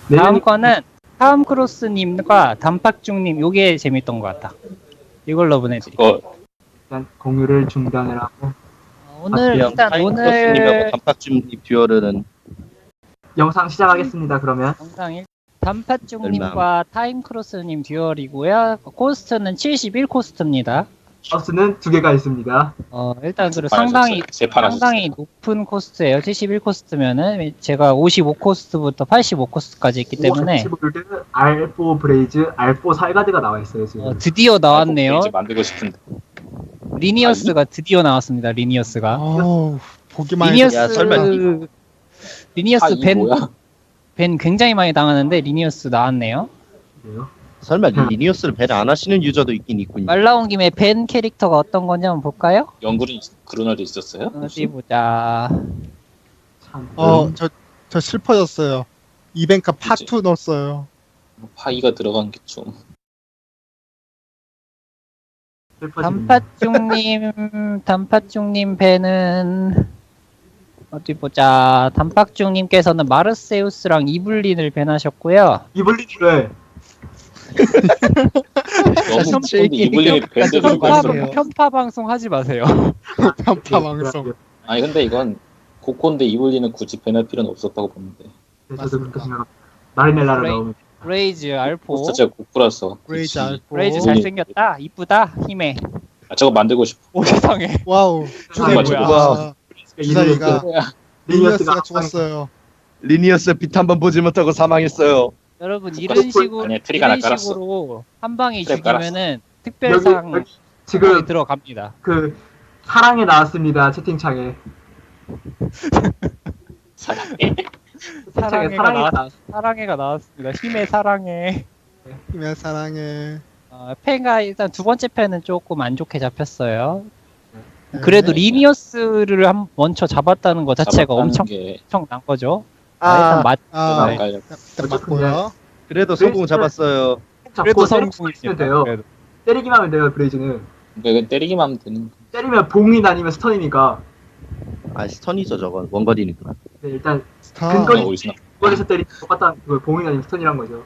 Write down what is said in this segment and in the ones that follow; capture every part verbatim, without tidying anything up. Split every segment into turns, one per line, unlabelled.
다음 거는 타움크로스님과 단팥죽님 요게 재밌던 것 같다. 이걸로 보내드릴게요.
그거
일단 공유를 중단을 하고
어, 오늘
그냥
일단
타임크로스님하고
오늘
단팥죽님 듀얼은
영상 시작하겠습니다. 그러면
영상 일 단팥죽님과 타임크로스님 듀얼이고요. 코스트는 칠십일 코스트입니다.
마우스는 두 개가 있습니다.
어 일단 그
세판
상당히
하셨어요. 세판
상당히
하셨어요.
높은 코스트예요. 칠십일 코스트면은 제가 오십오 코스트부터 팔십오 코스트까지 있기 때문에
오십골드, 알 사 브레이즈, 알 사 살가드가 나와 있어요 지금.
어, 드디어 나왔네요.
이제 만들고 싶은데.
리니어스가 드디어 나왔습니다. 리니어스가.
어우, 보기만 해도
리니어스
야, 설마 이-
리니어스
아, 이
벤,
뭐야?
벤 굉장히 많이 당하는데 리니어스 나왔네요.
그래요?
설마 리니어스를 밴 안 하시는 유저도 있긴 있군요.
말 나온 김에 벤 캐릭터가 어떤 건지 한번 볼까요?
연구는 그런 날도 있었어요?
어디 보자.
참.
어, 저, 저 슬퍼졌어요. 이벤카 파투 넣었어요.
파이가 들어간 게 좀.
슬퍼지네요.
단팥죽님, 단팥죽님 벤은 어디 보자. 단팥죽님께서는 마르세우스랑 이블린을 벤하셨고요.
이블린을
너무 근데 이블린이 밴드를
편파-
걸
편파-
수
편파 방송 하지 마세요.
편파 방송.
아니 근데 이건 고콘데 이블린은 굳이 밴할 필요는 없었다고 보는데.
네, 저도 그렇게 생각합니다. 마리넬라를
브레이-
넣으면
브레이즈 알포.
포스터 제가 고쿠라서.
브레이즈
굳이-
알포.
브레이즈
이블린.
잘생겼다. 이쁘다. 힘에.
아 저거 만들고 싶어.
오 세상에.
와우.
정말
주사위가,
뭐야.
주사위가 리니어스가
리니어스가
죽었어요.
리니어스 빛 한 번 보지 못하고 사망했어요.
여러분
국가
이런
스쿨-
식으로
아니야, 트리가 하나
이런
깔았어.
식으로 한 방에
트랩
죽이면은
여기,
특별상
여기
지금
지금
들어갑니다.
그 사랑에 나왔습니다 채팅창에.
사랑해.
채팅창에
사랑해가
사랑에
나왔,
나왔.
사랑해가 나왔습니다. 힘의 사랑해.
힘의 사랑해.
어, 펜가 일단 두 번째 펜은 조금 안 좋게 잡혔어요.
네.
그래도 리니어스를 한 먼저 잡았다는 것 자체가
잡았다는
엄청
게
엄청난 거죠. 아,
아,
일단 맞.
아,
네.
깔려.
일단 맞고요.
그래도
성공
잡았어요.
그래도
때리기만
성공입니다.
하면 돼요.
그래도.
때리기만 하면 돼요 브레이즈는.
그러니까 이건 때리기만 하면 되는 거.
때리면 봉인 아니면 스턴이니까.
아 스턴이죠 저건 원거리니까.
네, 일단
스타.
근거리-
오리지널.
거리에서 때리 똑같다. 그 봉인 아니면 스턴이란 거죠.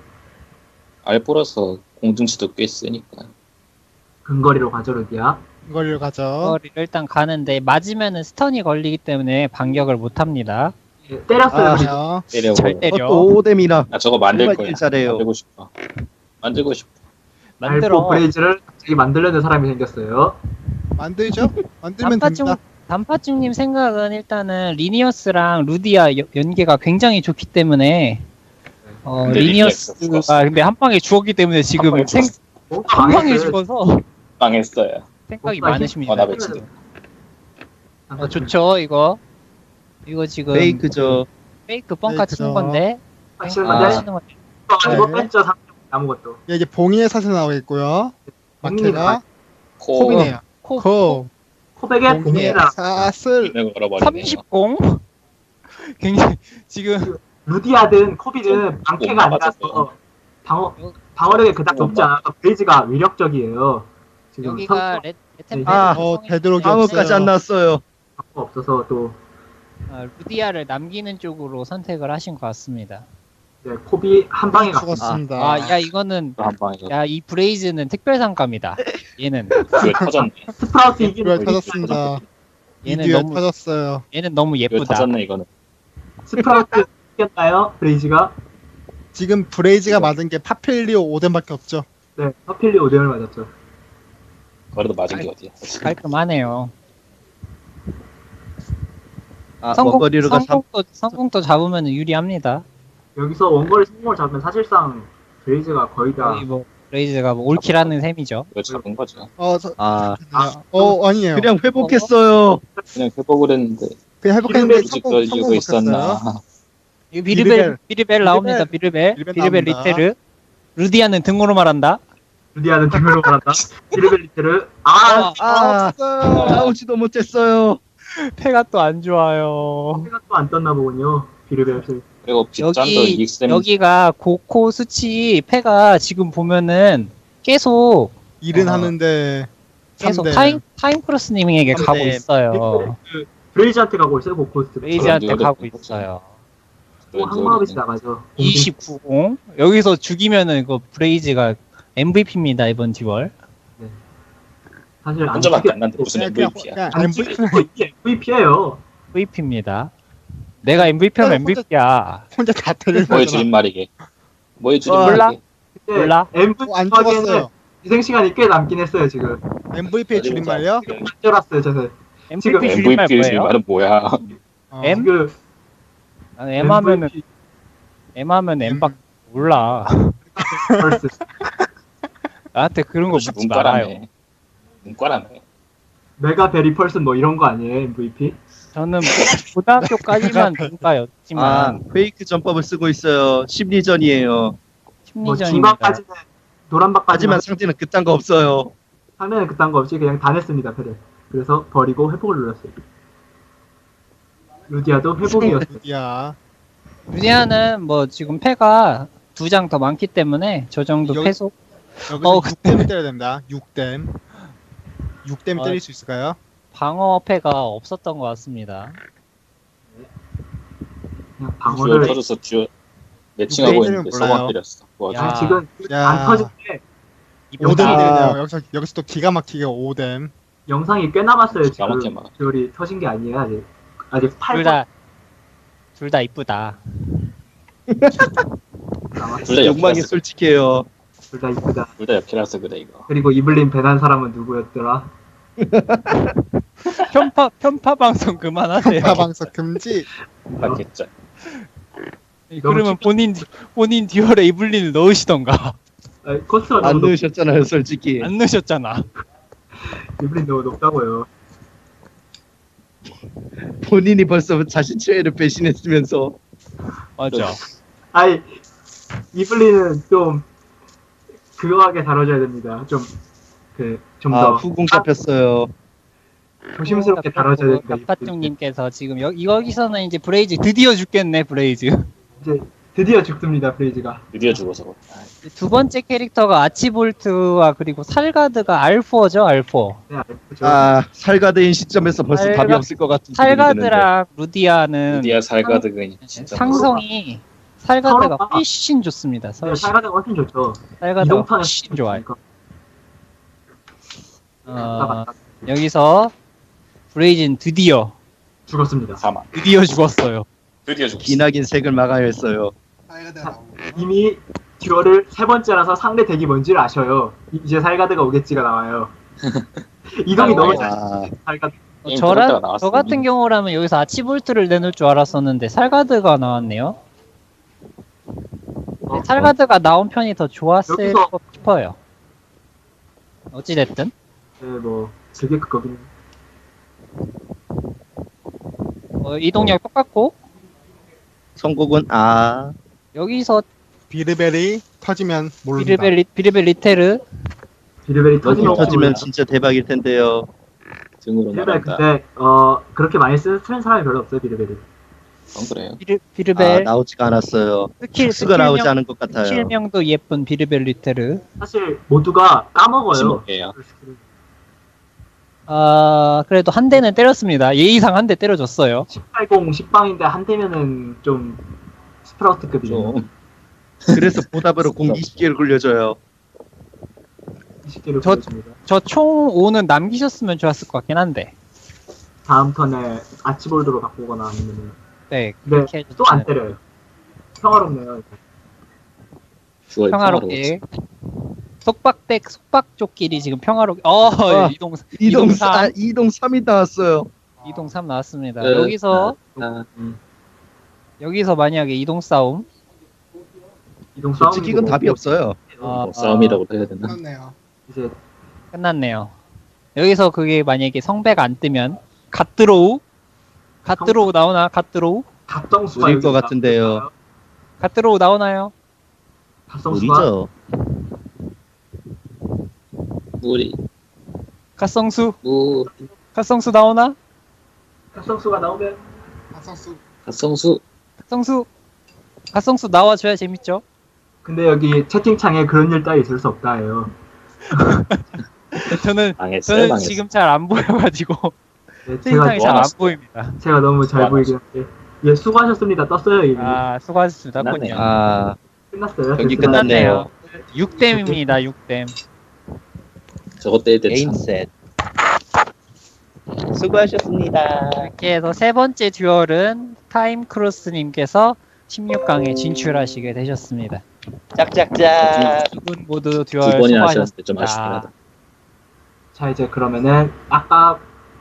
알포라서 공중치도 꽤 세니까.
근거리로 가죠 루디야.
이걸 가죠.
거리를 일단 가는데 맞으면은 스턴이 걸리기 때문에 반격을 못 합니다.
예, 때렸어요.
아,
브레이즈.
아,
때려.
잘 때려.
오뎀이나. 아 저거 만들
정말
거야.
일 잘해요.
만들고 싶어. 만들고 싶어.
만들어.
알포 브레이즈를 갑자기 만들려는 사람이 생겼어요.
만들죠? 만들면
단팥죽
됩니다.
단팥죽님 생각은 일단은 리니어스랑 루디아 여- 연계가 굉장히 좋기 때문에 어,
근데 리니어스가
리니어스가
죽었어.
근데 한 방에 죽었기 때문에 지금
방에
생,
죽었어.
뭔가
한 방에
망했어요.
죽어서
망했어요.
생각이
뭔가
많으십니다.
어, 나 배치돼.
어, 좋죠 이거 이거 지금
페이크죠.
페이크 뻥카 치는
페이크죠.
건데
하시는
아.
건데
하시는 건데
아니고
네.
뺐죠 삼 아무것도.
예, 이제 봉인의 사슬 나오겠고요. 마케가
코.
콥이네요.
코
콥.
코백에
봉인의
봉인이라
사슬.
이걸 걸어버리네요.
삼십 공 굉장히 지금
루디아든 코비든 방패가
뭔가
아니라서
맞았어요.
방어 방어력이 그닥 높지
뭔가.
않아서 브레이즈가 위력적이에요. 지금
여기가
선수가
레, 레템
아,
어, 되도록이
방어까지
없어요.
안 나왔어요.
없어서 또
어, 루디아를 남기는 쪽으로 선택을 하신 것 같습니다.
네, 코비 한 방에 갔습니다.
죽었습니다.
아 야 이거는
한 방에
야 이 브레이즈는 특별상감이다. 얘는
그 터졌네.
스프라우스 이기는
듀얼 터졌습니다. 이
얘는
듀얼
너무
터졌어요.
얘는 너무
이거
예쁘다.
터졌네 이거는.
스프라우스 이겼나요? 브레이즈가?
지금 브레이즈가 맞은 게 파필리오 오덴밖에 없죠.
네, 퍼필리 오뎀을 맞았죠.
그래도 맞은 게 어디야.
깔끔하네요.
아,
성공
원거리로가 삼
성공도 성공도 잡으면 유리합니다.
여기서 원거리 성공을 잡으면 사실상 브레이즈가 거의 다
거의 뭐 브레이즈가 뭐 올킬하는 셈이죠.
이거 잡은 거죠.
어, 저,
아,
어 아니에요.
그냥 회복했어요.
그냥 회복을 했는데
그냥 회복했는데
굳이
성공
그럴
성공
이유가
못했어요.
있었나.
이거 비르벨
비르벨.
비르벨 나옵니다. 비르벨
비르벨
비르벨
나옵니다.
리테르 루디아는 등으로 말한다.
루디아는 등으로 말한다. 비르벨리테르 아,
아,
없어요.
나오지도 못했어요.
패가 또 안 좋아요.
생각 또안 떴나 보군요. 비르벨.
그리고 빗잔도
여기
이익셈
여기가 고코 수치 패가 지금 보면은 계속
일은
어.
하는데
계속
삼 대.
타임 타임 크로스님에게 가고
대.
있어요.
브레이즈한테 가고 있어요. 고코스트.
레이지한테
그런
가고
이유가
있어요.
항마업이 나가죠.
이십구 공 여기서 죽이면은 이거 브레이즈가 엠브이피입니다 이번 듀얼.
사실 안
혼자밖에
찍혀-
안 났는데 무슨
그냥-
엠브이피야.
그냥
안
엠브이피
찍혀 이게 엠브이피예요.
엠브이피입니다. 내가 엠브이피면
혼자-
엠브이피야.
혼자 다 때리는
뭐의
거잖아.
줄임말이게. 뭐의
몰라?
줄임말이게.
몰라?
어, 안
엠브이피에는
죽었어요.
희생 시간이 꽤 남긴 했어요 지금.
엠브이피의
어디 보자.
줄임말이요?
지금 안 쫄았어요 저는.
엠브이피 줄임말
엠브이피의
뭐예요?
줄임말은 뭐야?
어.
M?
지금
아, M 하면은
엠브이피
M 하면 M밖 몰라.
벌스.
나한테 그런 거
그것이
묻지 말아요.
문과라며. 문과라며.
메가 베리 펄슨 뭐 이런 거 아니에요 엠브이피?
저는 고등학교까지만 문과였지만
아, 페이크 전법을 쓰고 있어요. 심리전이에요.
뭐
심리전입니다.
중간까지는 노란박까지만
하지만 상대는 그딴 거 없어요.
하면은 그딴 거 없이 그냥 다 냈습니다 패를. 그래서 버리고 회복을 눌렀어요. 루디아도 회복이었어요.
야,
루디아는 뭐 지금 패가 두 장 더 많기 때문에 저 정도
여기-
패소.
여기서
어,
육 댐 때려야 됩니다. 육 댐. 육 댐
아,
때릴 수 있을까요?
방어 패가 없었던 것 같습니다.
그냥
듀얼
방어를
터져서 듀얼 매칭하고
유대인들은
있는데
몰라요.
서버 때렸어. 와,
야.
지금
야.
안 터질 때
오 댐
아.
때리네요. 여기서 여기서 또 기가 막히게 오 댐.
영상이 꽤 남았어요
기가 막혀,
지금.
막.
듀얼이 터진 게 아니에요 아직. 아직 팔
둘 다 둘 다 이쁘다.
남았어요.
둘 다
욕망이
역해라서,
솔직해요.
둘다 이쁘다.
둘 다 역해라서 그래 이거.
그리고 이블린 배난 사람은 누구였더라?
편파 편파 방송 그만하세요.
파방석 금지.
맞겠죠.
그러면 본인 본인 듀얼에 이블린을 넣으시던가.
아니, 코스가
안
너무 높,
넣으셨잖아요, 솔직히.
안 넣으셨잖아.
이블린 너무 높다고요.
본인이 벌써 자신 최애를 배신했으면서.
맞아.
아니 이블린은 좀 그거하게 다뤄줘야 됩니다. 좀 그 좀
아,
더
후공 잡혔어요.
조심스럽게 다뤄줘야 됩니다. 이블린.
갑파중님께서 지금 여, 여기서는 이제 브레이즈 드디어 죽겠네 브레이즈.
이제 드디어 죽습니다 브레이즈가.
드디어 죽어서.
두 번째 캐릭터가 아치볼트와 그리고 살가드가 알포죠 알포.
네, 알죠.
아, 살가드인 시점에서 벌써
살가-
답이 없을 것 같은 기분이 드는데.
살가드랑 루디아는
드디어 살가드가 진짜
상성이 살가드가
서로가-
훨씬 좋습니다.
네,
훨씬.
살가드가 훨씬 좋죠.
살가드가
이동판에
훨씬 좋아요.
맞다,
어,
맞다.
여기서 브레이즈는 드디어
죽었습니다.
사망.
드디어 죽었어요.
드디어 죽었어.
기나긴 색을 막아야 했어요.
이미 듀얼을 세 번째라서 상대 덱이 뭔지를 아셔요. 이- 이제 살가드가 오겠지가 나와요. 이동이 너무 잘.
아,
살가드.
어,
게임
저라,
들어갔다가 나왔어,
저 같은
이미.
경우라면 여기서 아치볼트를 내놓을 줄 알았었는데 살가드가 나왔네요.
어,
살가드가 나온 편이 더 좋았을
여기서-
것 싶어요. 어찌됐든
네, 뭐 그게 그거긴.
어, 이동력 똑같고
선곡은 아,
여기서
비르벨이 터지면 모릅니다.
비르벨, 리, 비르벨 리테르
비르벨이
여기
터지면
터지면 진짜 대박일 텐데요.
등으로
비르벨
나간다.
근데 어 그렇게 많이 쓰는 쓰는 사람이 별로 없어요 비르벨이.
그건 그래요.
비르,
아,
비르벨
나오지가 않았어요.
스킬,
수가 나오지
스킬명,
않은 것 같아요.
스킬명도 예쁜 비르벨 리테르.
사실 모두가 까먹어요.
십오 개예요.
아 그래도 한 대는 때렸습니다. 예의상 한 대 때려줬어요.
십팔공 십방인데 한 대면은 좀 스프라우트급이죠.
좀
그래서 보답으로 공 이십 개를 굴려줘요.
이십 개를
저-
보여줍니다.
저 총 오는 남기셨으면 좋았을 것 같긴 한데.
다음 턴에 아치볼드로 바꾸거나 아니면은
네
근데
그렇게 해줬
또 안 때려요. 평화롭네요.
듀얼
평화롭게. 속박댁 속박족끼리 지금 평화롭게. 어
아,
이동
이동
이동
사,
삼
이동 삼이 나왔어요.
이동 삼 나왔습니다.
네.
여기서
아,
여기서 만약에 이동 싸움.
이동 싸움.
솔직히 이건 답이 없어요.
아,
뭐 싸움이라고 해야 되나?
그렇네요.
이제
끝났네요. 여기서 그게 만약에 성배가 안 뜨면 갓드로우 갓드로우 나오나 갓드로우
갑정수가
무리일
여기
것 같은데요.
갓드로우 나오나요?
갑정수가
무리죠.
무리
갓성수
무
갓성수 나오나?
갑정수가 나오면
박성수
갓성수
갓성수 갓성수 나와줘야 재밌죠.
근데 여기 채팅창에 그런 일 따위 있을 수 없다예요.
저는
망했어요.
저는
망했어.
지금 잘 안 보여가지고
네, 제가
채팅창이 잘 안
모아놨어.
보입니다.
제가 너무 잘
모아놨어.
보이긴 한데 예, 수고하셨습니다. 떴어요, 이미.
아, 수고하셨습니다.
끝났네요.
군요.
아
끝났어요.
경기
됐습니다.
끝났네요.
육 댐입니다. 육 댐.
저거 떼야 돼.
게임
참.
셋. 수고하셨습니다.
이렇게 해서 세 번째 듀얼은 타임크로스님께서 십육 강에 진출하시게 되셨습니다.
짝짝짝.
두 분 모두
두
듀얼
번이나 하셨는데 좀 아쉽긴
수고하셨습니다.
하다.
자, 이제 그러면은 아까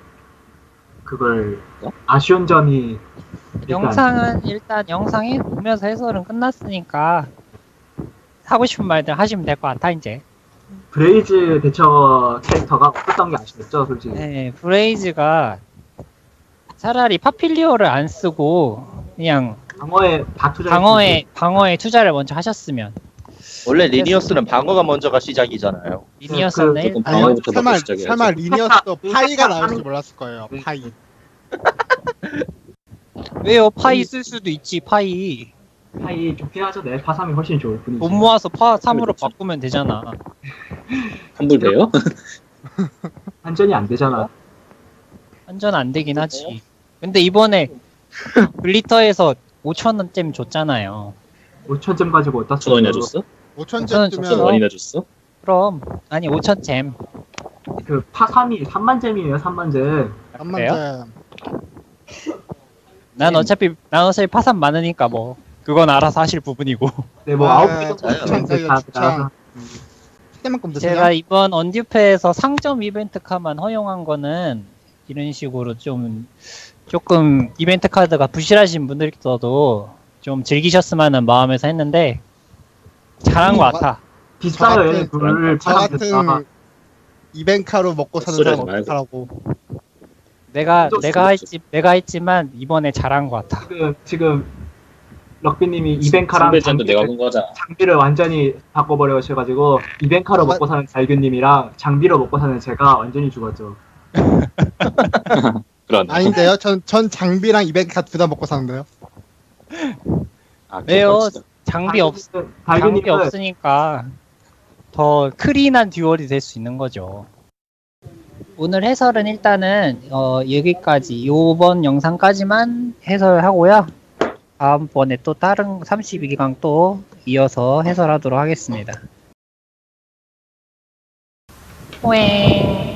그걸
어?
아쉬운 점이 일단
영상은 일단 영상이 보면서 해설은 끝났으니까 하고 싶은 말들 하시면 될 것 같아 이제.
브레이즈 대처 캐릭터가 없었던 게 아쉽죠, 솔직히.
네, 브레이즈가 차라리 파필리오를 안 쓰고 그냥
방어에 다 투자.
방어에 방어에 투자를 먼저 하셨으면
원래 리니어스는 방어가 먼저가 시작이잖아요.
리니어스는
그-
조금
일단
방어부터
설마,
받고 시작해야지.
설마 리니어스도
네.
파이가 나올지 몰랐을 거예요. 파이.
왜요? 파이 쓸 수도 있지 파이.
파이 좋긴 하죠. 네, 파삼이 훨씬 좋을 뿐이지.
돈 모아서 파 삼으로
그렇죠.
바꾸면 되잖아.
환불 돼요?
완전히 안 되잖아.
완전 안 되긴 하지. 근데 이번에 글리터에서 오천 원쯤 줬잖아요.
오천 점 가지고 어디다
천 원이나 줬어?
오천
저는
점
천
뜨면
원이나 줬어?
그럼 아니 오천 잼.
그 파삼이 삼만 잼이에요, 삼만 잼.
한만 점.
난 어차피 난 어차피 파산 많으니까 뭐 그건 알아서 하실 부분이고.
네, 뭐
아,
아홉 개 정도
저요.
되면
저요,
다
추천.
나와서.
그때만큼 드세요.
제가 이번 언듀페에서 상점 이벤트 카만 허용한 거는 이런 식으로 좀 조금 이벤트 카드가 부실하신 분들께서도 좀 즐기셨으면 하는 마음에서 했는데 잘한 것 같아.
비싸요,
저
얘
같은-
둘
저
파삼
같은
됐다.
이벤카로 먹고 사는
소리
사람
하지 말고.
어떡하라고.
내가
좀
내가
그렇죠.
했지 내가 했지만 이번에 잘한 것 같아.
지금 지금 럭비님이 이벤카랑
선배전도 내가
장비를,
본 거잖아.
장비를 완전히 바꿔버려셔가지고 이벤카로
아,
먹고 사는 달균님이랑 장비로 먹고 사는 제가 완전히 죽었죠.
그런.
아닌데요? 전, 전 장비랑 이벤카 둘 다 먹고 사는데요.
아,
왜요?
그건 진짜.
장비 없 장비
달균님은
없으니까 더 클린한 듀얼이 될 수 있는 거죠. 오늘 해설은 일단은 어, 여기까지 이번 영상까지만 해설하고요. 다음번에 또 다른 삼십이 강 또 이어서 해설하도록 하겠습니다. 웽.